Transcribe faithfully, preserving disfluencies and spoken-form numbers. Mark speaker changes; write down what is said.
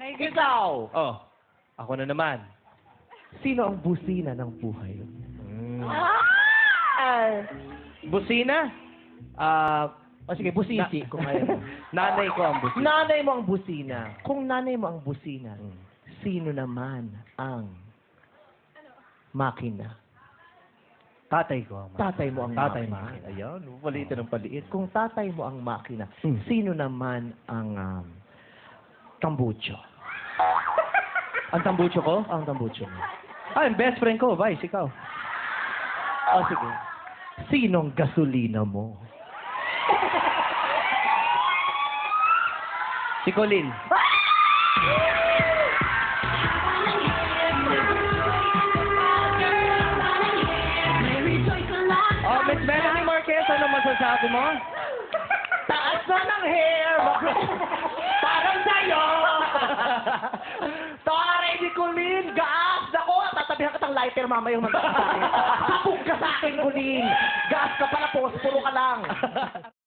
Speaker 1: My goodness.
Speaker 2: Ikaw,
Speaker 3: Oh, ako na naman.
Speaker 2: sino ang busina ng buhay?
Speaker 3: Mm.
Speaker 2: Ah!
Speaker 3: Busina? Ah,
Speaker 2: O sige, busisi
Speaker 3: Na-
Speaker 2: kung ayaw mo.
Speaker 3: nanay ko ang busina.
Speaker 2: Nanay mo ang busina. Kung nanay mo ang busina,
Speaker 3: Mm.
Speaker 2: sino naman ang makina?
Speaker 3: Tatay ko ang
Speaker 2: Tatay mo ang
Speaker 3: Tatay
Speaker 2: makina.
Speaker 3: makina. Ayan, palitin ng paliit.
Speaker 2: Kung tatay mo ang makina,
Speaker 3: Hmm.
Speaker 2: sino naman ang um, tambucho?
Speaker 3: Ang tambucho ko?
Speaker 2: Ang tambucho mo.
Speaker 3: Ah, yung best friend ko, Vice, ikaw.
Speaker 2: O sige. Sinong gasolina mo?
Speaker 3: Si Colin. Oh, Miss Melanie Marquez, ano masasabi mo?
Speaker 2: Taas na ng hair! Parang sa'yo! Tare ni Colleen! Gaas! Ako! Tatabihan ka ng lighter mamaya yung magkakasabi. Sabog ka sa akin, Colleen! Gaas ka pala po! Puro ka lang!